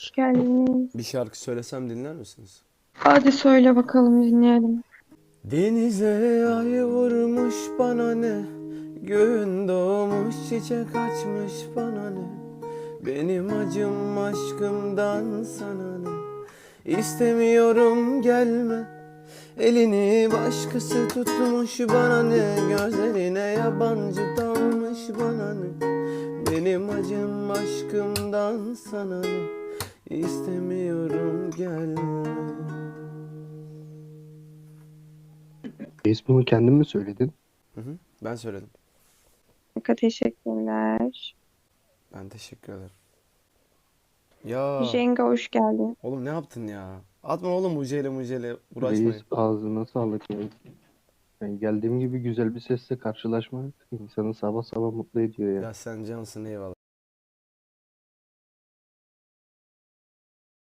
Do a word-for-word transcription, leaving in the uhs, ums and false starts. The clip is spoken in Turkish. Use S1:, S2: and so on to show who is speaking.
S1: Hoş geldiniz.
S2: Bir şarkı söylesem dinler misiniz?
S1: Hadi söyle bakalım dinleyelim.
S2: Denize ay vurmuş bana ne, gün doğmuş çiçek açmış bana ne, benim acım aşkımdan sana ne, İstemiyorum gelme, elini başkası tutmuş bana ne, gözlerine yabancı dalmış bana ne, benim acım aşkımdan sana ne, İstemiyorum gelme.
S3: Reis bunu kendin mi söyledin?
S2: Hı hı, ben söyledim.
S1: Çok teşekkürler.
S2: Ben teşekkür ederim. Ya
S1: Jenga hoş geldin.
S2: oğlum ne yaptın ya? Atma oğlum mucele mucele
S3: Reis
S2: uğraşmayın.
S3: ağzına sağlık ya. Yani geldiğim gibi güzel bir sesle karşılaşmak insanı sabah sabah mutlu ediyor ya.
S2: Ya sen cansın eyvallah.